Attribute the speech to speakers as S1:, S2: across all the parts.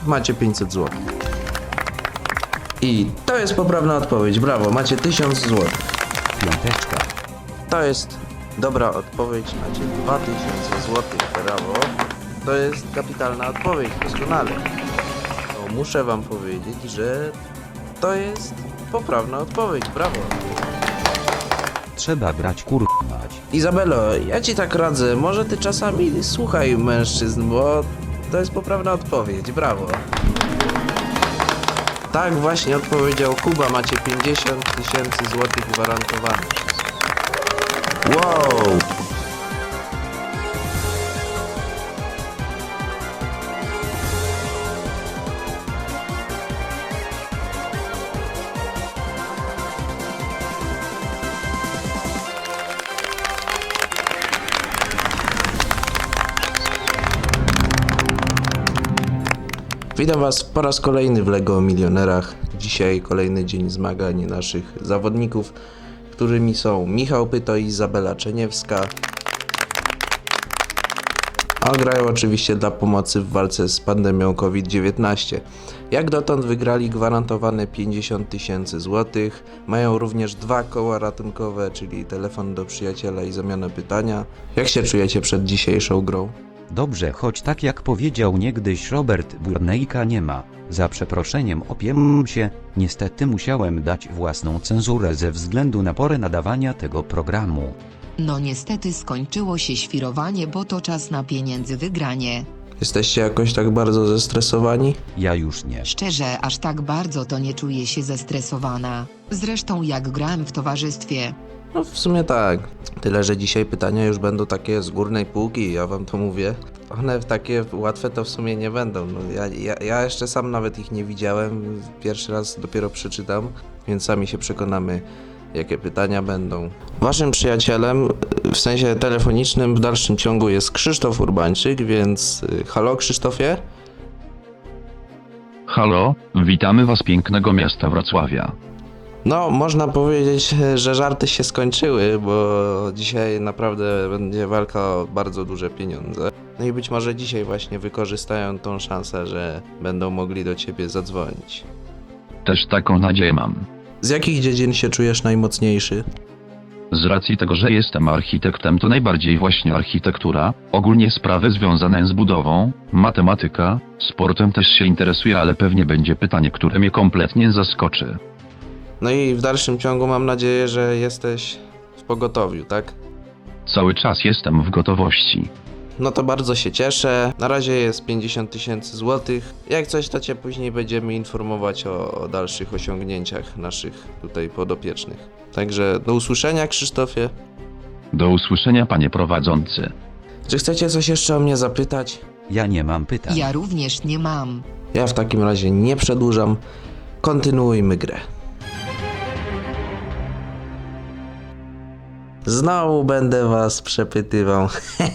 S1: macie 500 zł. I to jest poprawna odpowiedź, brawo, macie 1000 zł.
S2: Piąteczka.
S1: To jest dobra odpowiedź, macie 2000 zł, brawo. To jest kapitalna odpowiedź, doskonale. No, muszę wam powiedzieć, że to jest poprawna odpowiedź, brawo.
S2: Trzeba brać mać.
S1: Izabelo, ja ci tak radzę, może ty czasami słuchaj mężczyzn, bo to jest poprawna odpowiedź, brawo. Tak właśnie odpowiedział Kuba, macie 50 000 złotych gwarantowanych. Wow! Witam Was po raz kolejny w LEGO Milionerach. Dzisiaj kolejny dzień zmagań naszych zawodników, którymi są Michał Pyto i Izabela Czeniewska. A grają oczywiście dla pomocy w walce z pandemią COVID-19. Jak dotąd wygrali gwarantowane 50 000 złotych. Mają również 2 koła ratunkowe, czyli telefon do przyjaciela i zamianę pytania. Jak się czujecie przed dzisiejszą grą?
S2: Dobrze, choć tak jak powiedział niegdyś Robert Burnejka nie ma. Za przeproszeniem opiem się, niestety musiałem dać własną cenzurę ze względu na porę nadawania tego programu.
S3: No niestety skończyło się świrowanie, bo to czas na pieniędzy wygranie.
S1: Jesteście jakoś tak bardzo zestresowani?
S2: Ja już nie.
S3: Szczerze, aż tak bardzo to nie czuję się zestresowana. Zresztą jak grałem w towarzystwie.
S1: No w sumie tak. Tyle, że dzisiaj pytania już będą takie z górnej półki, ja wam to mówię. One takie łatwe to w sumie nie będą. No, ja jeszcze sam nawet ich nie widziałem. Pierwszy raz dopiero przeczytam, więc sami się przekonamy, jakie pytania będą. Waszym przyjacielem, w sensie telefonicznym w dalszym ciągu jest Krzysztof Urbańczyk, więc halo Krzysztofie?
S4: Halo, witamy Was pięknego miasta Wrocławia.
S1: No, można powiedzieć, że żarty się skończyły, bo dzisiaj naprawdę będzie walka o bardzo duże pieniądze. No i być może dzisiaj właśnie wykorzystają tą szansę, że będą mogli do ciebie zadzwonić.
S4: Też taką nadzieję mam.
S1: Z jakich dziedzin się czujesz najmocniejszy?
S4: Z racji tego, że jestem architektem, to najbardziej właśnie architektura, ogólnie sprawy związane z budową, matematyka, sportem też się interesuję, ale pewnie będzie pytanie, które mnie kompletnie zaskoczy.
S1: No i w dalszym ciągu mam nadzieję, że jesteś w pogotowiu, tak?
S4: Cały czas jestem w gotowości.
S1: No to bardzo się cieszę. Na razie jest 50 000 złotych. Jak coś, to cię później będziemy informować o dalszych osiągnięciach naszych tutaj podopiecznych. Także do usłyszenia, Krzysztofie.
S4: Do usłyszenia, panie prowadzący.
S1: Czy chcecie coś jeszcze o mnie zapytać?
S2: Ja nie mam pytań.
S3: Ja również nie mam.
S1: Ja w takim razie nie przedłużam. Kontynuujmy grę. Znowu będę was przepytywał.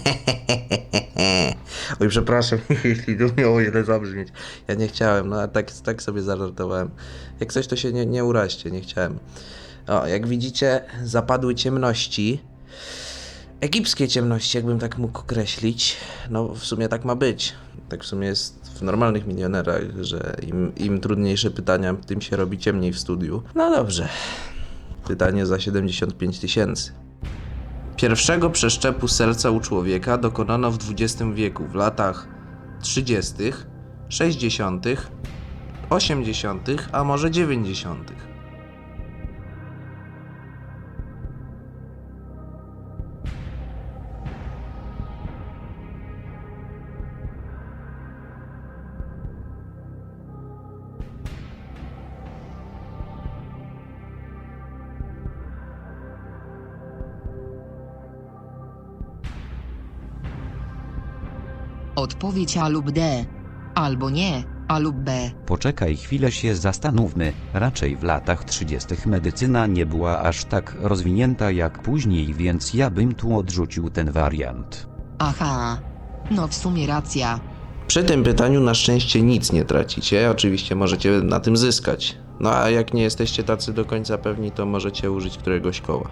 S1: Oj, przepraszam, jeśli to miało ile zabrzmieć. Ja nie chciałem, no a tak sobie zażartowałem. Jak coś, to się nie uraźcie, nie chciałem. O, jak widzicie, zapadły ciemności. Egipskie ciemności, jakbym tak mógł określić. No, w sumie tak ma być. Tak w sumie jest w normalnych milionerach, że im trudniejsze pytania, tym się robi ciemniej w studiu. No dobrze. Pytanie za 75 000. Pierwszego przeszczepu serca u człowieka dokonano w XX wieku, w latach 30., 60., 80., a może 90.
S3: Odpowiedź A lub D. Albo nie, A lub B.
S2: Poczekaj chwilę, się zastanówmy. Raczej w latach 30. medycyna nie była aż tak rozwinięta jak później, więc ja bym tu odrzucił ten wariant.
S3: Aha. No w sumie racja.
S1: Przy tym pytaniu na szczęście nic nie tracicie, oczywiście możecie na tym zyskać. No a jak nie jesteście tacy do końca pewni, to możecie użyć któregoś koła.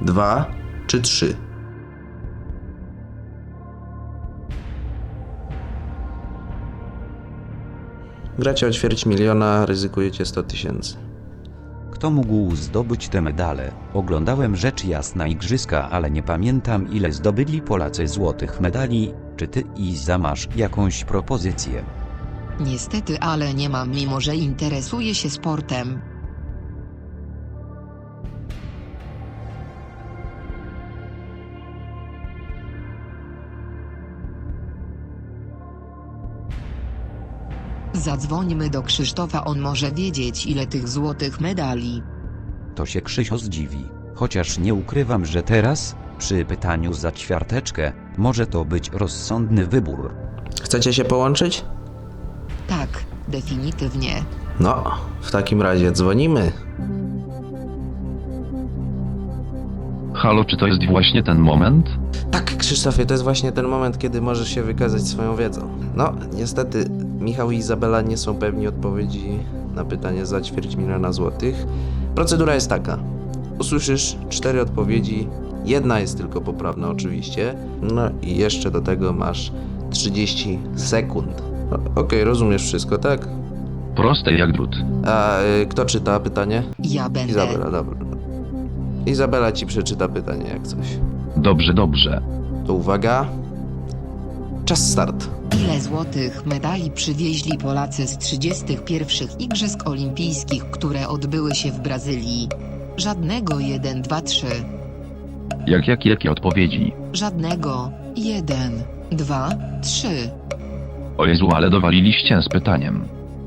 S1: 2 czy 3? Gracie o ćwierć miliona, ryzykujecie 100 tysięcy.
S2: Kto mógł zdobyć te medale? Oglądałem rzecz jasna igrzyska, ale nie pamiętam ile zdobyli Polacy złotych medali. Czy ty, Iza, masz jakąś propozycję?
S3: Niestety, ale nie mam, mimo że interesuję się sportem. Zadzwońmy do Krzysztofa, on może wiedzieć, ile tych złotych medali.
S2: To się Krzysio zdziwi. Chociaż nie ukrywam, że teraz, przy pytaniu za ćwiarteczkę, może to być rozsądny wybór.
S1: Chcecie się połączyć?
S3: Tak, definitywnie.
S1: No, w takim razie dzwonimy.
S4: Halo, czy to jest właśnie ten moment?
S1: Tak, Krzysztofie, to jest właśnie ten moment, kiedy możesz się wykazać swoją wiedzą. No, niestety, Michał i Izabela nie są pewni odpowiedzi na pytanie za ćwierć miliona złotych. Procedura jest taka. Usłyszysz 4 odpowiedzi, jedna jest tylko poprawna oczywiście. No i jeszcze do tego masz 30 sekund. Okej, rozumiesz wszystko, tak?
S4: Proste jak drut.
S1: A kto czyta pytanie?
S3: Ja będę.
S1: Izabela, dobra. Izabela ci przeczyta pytanie jak coś.
S4: Dobrze, dobrze.
S1: To uwaga. Czas start.
S3: Ile złotych medali przywieźli Polacy z 31 Igrzysk Olimpijskich, które odbyły się w Brazylii? Żadnego. 1, 2, 3.
S4: Jakie odpowiedzi?
S3: Żadnego. 1, 2, 3.
S4: O Jezu, ale dowaliliście z pytaniem.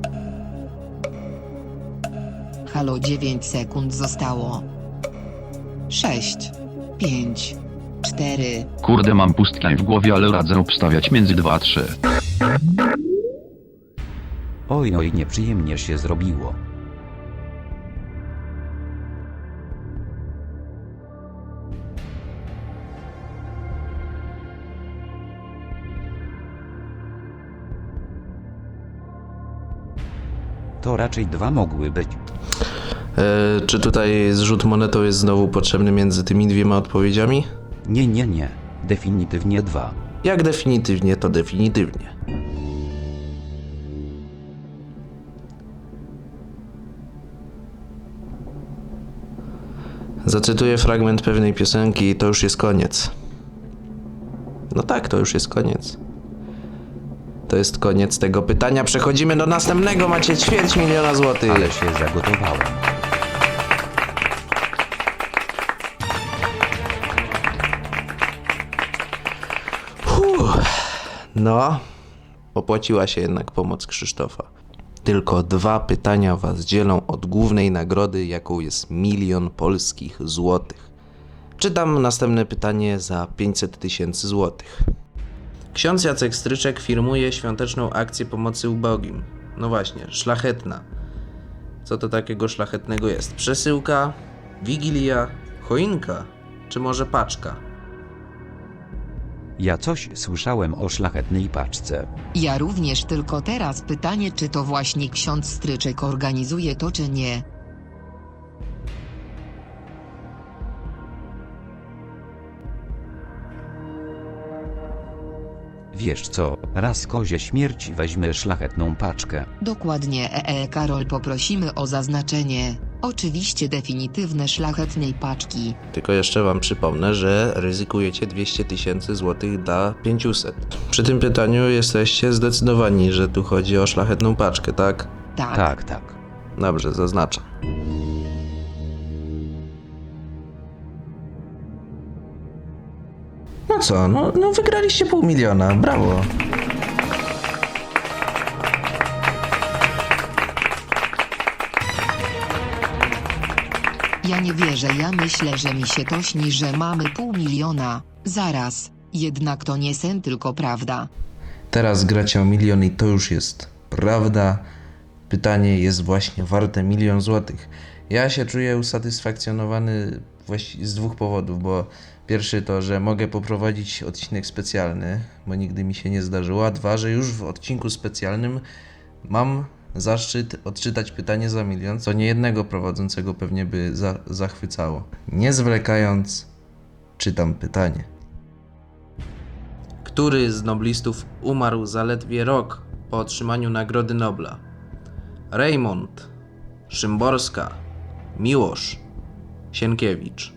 S3: Halo, 9 sekund zostało. 6, 5, 4.
S4: Kurde, mam pustkę w głowie, ale radzę obstawiać między 2 a 3.
S2: Oj, nieprzyjemnie się zrobiło. To raczej 2 mogły być.
S1: Czy tutaj zrzut monetą jest znowu potrzebny między tymi dwiema odpowiedziami?
S2: Nie. Definitywnie 2.
S1: Jak definitywnie, to definitywnie. Zacytuję fragment pewnej piosenki i to już jest koniec. No tak, to już jest koniec. To jest koniec tego pytania. Przechodzimy do następnego. Macie ćwierć miliona złotych.
S2: Ale się zagotowałem.
S1: No, opłaciła się jednak pomoc Krzysztofa. Tylko 2 pytania was dzielą od głównej nagrody, jaką jest 1 000 000 polskich złotych. Czytam następne pytanie za 500 tysięcy złotych. Ksiądz Jacek Stryczek firmuje świąteczną akcję pomocy ubogim. No właśnie, szlachetna. Co to takiego szlachetnego jest? Przesyłka, wigilia, choinka, czy może paczka?
S2: Ja coś słyszałem o szlachetnej paczce.
S3: Ja również, tylko teraz pytanie, czy to właśnie ksiądz Stryczek organizuje to, czy nie?
S2: Wiesz co, raz kozie śmierć weźmy szlachetną paczkę.
S3: Dokładnie, Karol, poprosimy o zaznaczenie. Oczywiście definitywne szlachetnej paczki.
S1: Tylko jeszcze wam przypomnę, że ryzykujecie 200 tysięcy złotych dla 500. Przy tym pytaniu jesteście zdecydowani, że tu chodzi o szlachetną paczkę, tak?
S3: Tak.
S2: Tak.
S1: Dobrze, zaznaczam. No co, no wygraliście 500 000, brawo.
S3: Ja nie wierzę, ja myślę, że mi się to śni, że mamy 500 000. Zaraz, jednak to nie sen, tylko prawda.
S1: Teraz gracie o 1 000 000 i to już jest prawda. Pytanie jest właśnie warte 1 000 000 złotych. Ja się czuję usatysfakcjonowany właściwie z 2 powodów, bo pierwszy to, że mogę poprowadzić odcinek specjalny, bo nigdy mi się nie zdarzyło, a 2, że już w odcinku specjalnym mam zaszczyt odczytać pytanie za milion, co niejednego prowadzącego pewnie by zachwycało. Nie zwlekając, czytam pytanie. Który z noblistów umarł zaledwie rok po otrzymaniu Nagrody Nobla? Reymont, Szymborska, Miłosz, Sienkiewicz.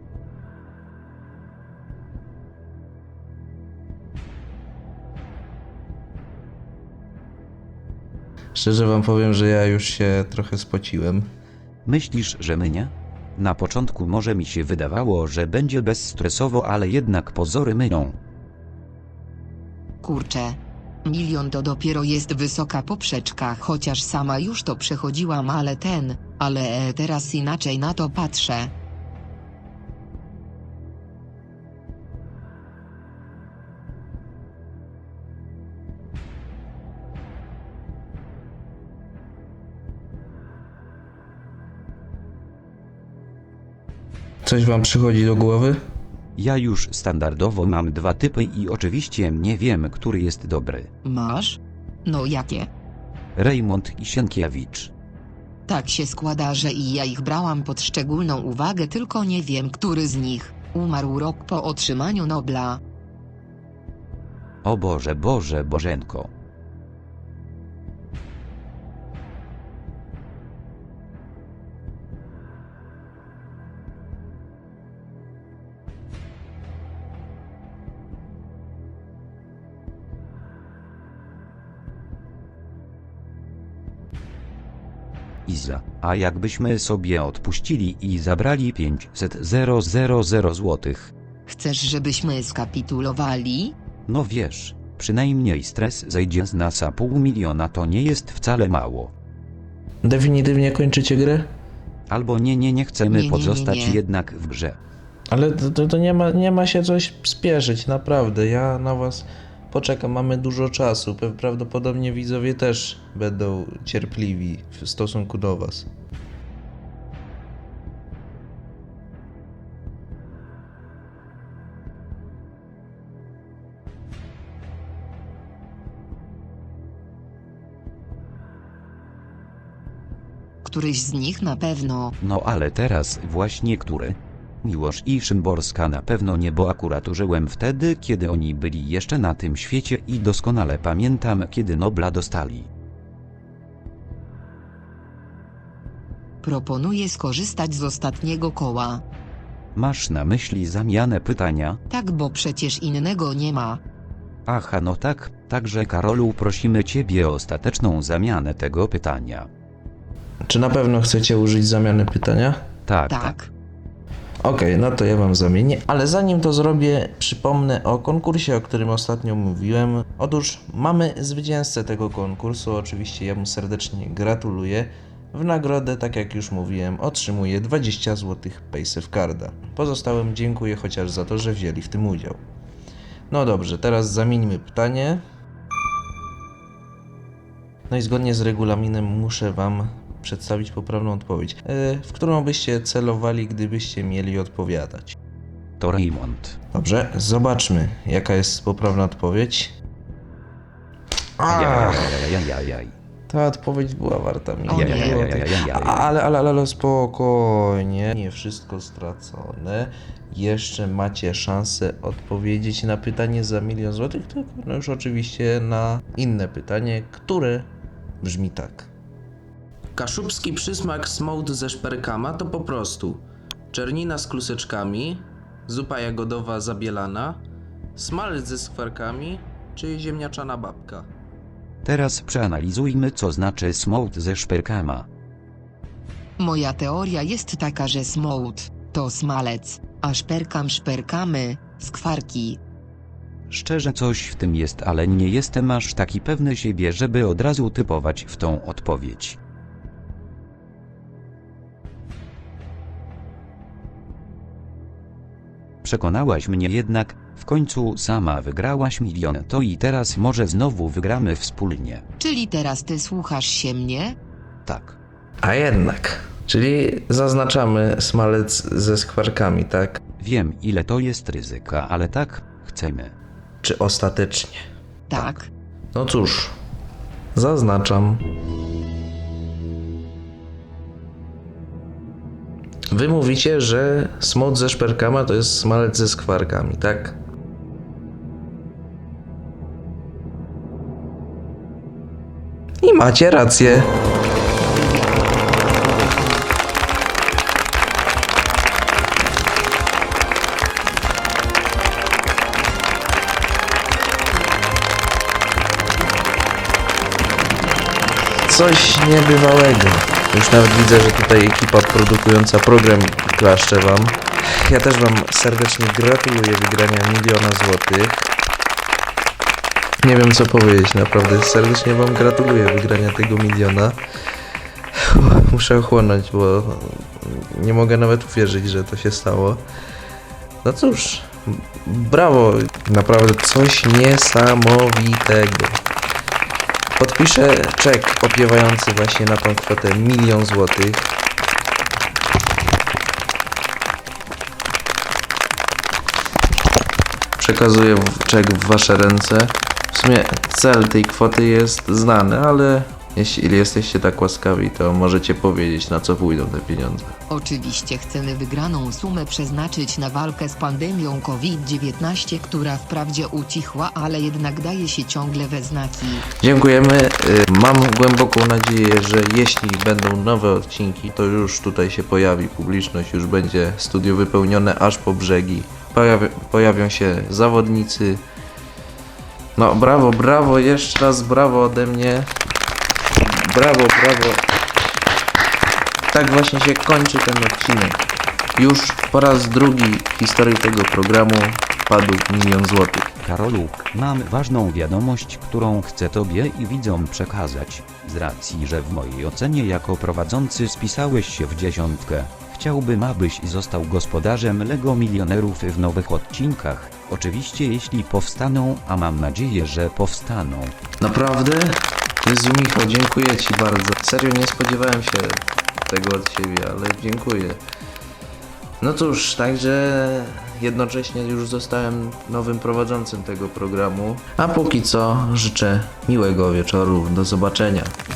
S1: Szczerze wam powiem, że ja już się trochę spociłem.
S2: Myślisz, że mnie? Na początku może mi się wydawało, że będzie bezstresowo, ale jednak pozory mylą.
S3: Kurczę. Milion to dopiero jest wysoka poprzeczka, chociaż sama już to przechodziłam, ale teraz inaczej na to patrzę.
S1: Coś wam przychodzi do głowy?
S2: Ja już standardowo mam dwa typy i oczywiście nie wiem, który jest dobry.
S3: Masz? No jakie?
S2: Reymont i Sienkiewicz.
S3: Tak się składa, że i ja ich brałam pod szczególną uwagę, tylko nie wiem, który z nich umarł rok po otrzymaniu Nobla.
S2: O Boże, Boże, Bożenko. Iza, a jakbyśmy sobie odpuścili i zabrali 500 000 złotych?
S3: Chcesz, żebyśmy skapitulowali?
S2: No wiesz, przynajmniej stres zejdzie z nas, a pół miliona to nie jest wcale mało.
S1: Definitywnie kończycie grę?
S2: Albo nie chcemy
S3: Nie.
S2: pozostać jednak w grze.
S1: Ale to nie ma się coś spieszyć, naprawdę. Ja na was poczekam, mamy dużo czasu. Prawdopodobnie widzowie też będą cierpliwi w stosunku do was.
S3: Któryś z nich na pewno.
S2: No ale teraz właśnie który? Miłosz i Szymborska na pewno nie, bo akurat żyłem wtedy, kiedy oni byli jeszcze na tym świecie i doskonale pamiętam, kiedy Nobla dostali.
S3: Proponuję skorzystać z ostatniego koła.
S2: Masz na myśli zamianę pytania?
S3: Tak, bo przecież innego nie ma.
S2: Aha, no tak, także Karolu, prosimy ciebie o ostateczną zamianę tego pytania.
S1: Czy na pewno chcecie użyć zamiany pytania?
S3: Tak.
S1: Okej, no to ja wam zamienię, ale zanim to zrobię, przypomnę o konkursie, o którym ostatnio mówiłem. Otóż mamy zwycięzcę tego konkursu, oczywiście ja mu serdecznie gratuluję. W nagrodę, tak jak już mówiłem, otrzymuje 20 zł Paysafe Pozostałym dziękuję chociaż za to, że wzięli w tym udział. No dobrze, teraz zamieńmy pytanie. No i zgodnie z regulaminem muszę wam przedstawić poprawną odpowiedź, w którą byście celowali, gdybyście mieli odpowiadać.
S2: To Reymont.
S1: Dobrze, zobaczmy, jaka jest poprawna odpowiedź.
S2: Ajajajajajajaj.
S1: Ta odpowiedź była warta
S3: O nie.
S1: milion. Ale spokojnie, nie wszystko stracone. Jeszcze macie szansę odpowiedzieć na pytanie za 1 000 000 złotych, tylko no już oczywiście na inne pytanie, które brzmi tak. Kaszubski przysmak smołt ze szperkama to po prostu czernina z kluseczkami, zupa jagodowa zabielana, smalec ze skwarkami czy ziemniaczana babka.
S2: Teraz przeanalizujmy, co znaczy smołt ze szperkama.
S3: Moja teoria jest taka, że smołt to smalec, a szperkamy, skwarki.
S2: Szczerze coś w tym jest, ale nie jestem aż taki pewny siebie, żeby od razu typować w tą odpowiedź. Przekonałaś mnie jednak, w końcu sama wygrałaś 1 000 000, to i teraz może znowu wygramy wspólnie.
S3: Czyli teraz ty słuchasz się mnie?
S2: Tak.
S1: A jednak, czyli zaznaczamy smalec ze skwarkami, tak?
S2: Wiem, ile to jest ryzyka, ale tak, chcemy.
S1: Czy ostatecznie?
S3: Tak.
S1: No cóż, zaznaczam. Wy mówicie, że smut ze szperkama to jest smalec ze skwarkami, tak? I macie rację. Coś niebywałego. Już nawet widzę, że tutaj ekipa produkująca program klaszcze wam. Ja też wam serdecznie gratuluję wygrania 1 000 000 złotych. Nie wiem co powiedzieć, naprawdę serdecznie wam gratuluję wygrania tego 1 000 000. Muszę ochłonąć, bo nie mogę nawet uwierzyć, że to się stało. No cóż, brawo, naprawdę coś niesamowitego. Podpiszę czek opiewający właśnie na tą kwotę 1 000 000 złotych. Przekazuję czek w wasze ręce. W sumie cel tej kwoty jest znany, ale jeśli jesteście tak łaskawi, to możecie powiedzieć, na co pójdą te pieniądze.
S3: Oczywiście chcemy wygraną sumę przeznaczyć na walkę z pandemią COVID-19, która wprawdzie ucichła, ale jednak daje się ciągle we znaki.
S1: Dziękujemy. Mam głęboką nadzieję, że jeśli będą nowe odcinki, to już tutaj się pojawi publiczność, już będzie studio wypełnione aż po brzegi. Pojawią się zawodnicy. No brawo, brawo, jeszcze raz brawo ode mnie. Brawo, brawo. Tak właśnie się kończy ten odcinek. Już po raz drugi w historii tego programu padł 1 000 000 złotych.
S2: Karolu, mam ważną wiadomość, którą chcę Tobie i widzom przekazać. Z racji, że w mojej ocenie jako prowadzący spisałeś się w 10, chciałbym, abyś został gospodarzem Lego Milionerów w nowych odcinkach. Oczywiście jeśli powstaną, a mam nadzieję, że powstaną.
S1: Naprawdę? Jezu Michał, dziękuję ci bardzo. Serio nie spodziewałem się tego od ciebie, ale dziękuję. No cóż, także jednocześnie już zostałem nowym prowadzącym tego programu. A póki co życzę miłego wieczoru. Do zobaczenia.